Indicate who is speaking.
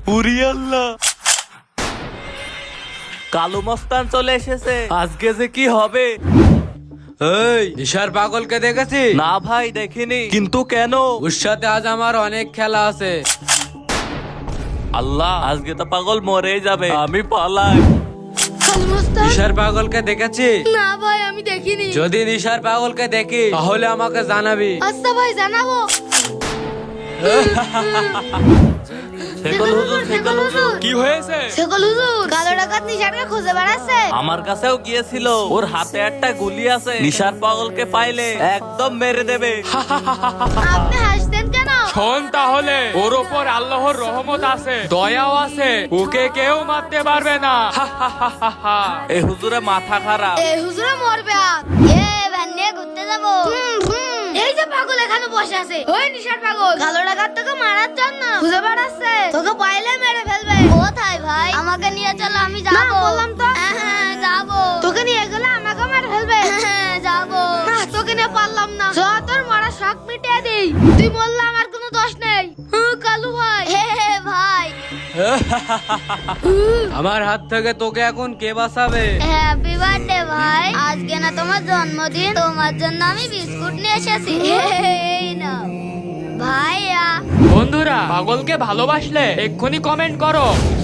Speaker 1: উরি আল্লাহ, কালো মস্তান চলে এসেছে। আজকে যে কি হবে?
Speaker 2: এই নিশার পাগলকে দেখেছি?
Speaker 1: না ভাই, দেখিনি। কিন্তু কেন?
Speaker 2: ওর সাথে আজ আমার অনেক খেলা আছে।
Speaker 1: আল্লাহ, আজকে তো পাগল মরেই যাবে। আমি পালাই।
Speaker 3: কালো মস্তান?
Speaker 2: নিশার পাগলকে দেখেছি?
Speaker 3: না ভাই, আমি দেখিনি।
Speaker 2: যদি নিশার পাগলকে দেখি তাহলে আমাকে জানাবি।
Speaker 3: আচ্ছা ভাই, জানাবো।
Speaker 1: শেকল হুজুর, শেকল হুজুর।
Speaker 4: কি হয়েছে?
Speaker 3: শেখল হুজুর, কালো ডাকাত নিশানকে খুঁজে বেড়াচ্ছে।
Speaker 1: আমার কাছেও গিয়েছিল। ওর হাতে একটা গুলি আছে। নিশার পাগলকে পাইলে একদম মেরে দেবে।
Speaker 3: আপনি হাসতেন কেন?
Speaker 4: শোন তাহলে, ওর ওপর আল্লাহর রহমত আছে, দয়াও আছে, ওকে কেউ মারতে পারবে না।
Speaker 1: এই হুজুরে মাথা খারাপ।
Speaker 3: এই হুজুরে মরবে আজ। ভ্যান নিয়ে ঘুরতে যাবো। এই যে পাগল এখানে বসে আছে, ওই নিশার পাগল। কালো ডাকাত তোকে মারার জন্য খুঁজে বেড়াচ্ছে। তোকে পাইলে মেরে ফেলবে। কোথায় ভাই? আমাকে নিয়ে চলো, আমি যাবো। বললাম তো যাবো। তোকে নিয়ে গেলে আমাকে মেরে ফেলবে। যাবো না, তোকে নিয়ে পারলাম না। চ, তোর মারা শখ মিটিয়ে দিই। তুই বললে আমার কোনো দোষ নেই। কালু ভাই। ভাই,
Speaker 2: আমার হাত থেকে তোকে এখন কে বাঁচাবে?
Speaker 3: হ্যাপি বার্থডে ভাই। আজকে না তোমার জন্মদিন, তোমার জন্য আমি বিস্কুট নিয়ে এসেছি। এই নাও ভাইয়া।
Speaker 4: বন্ধুরা, পাগলকে ভালোবাসলে এক্ষুনি কমেন্ট করো।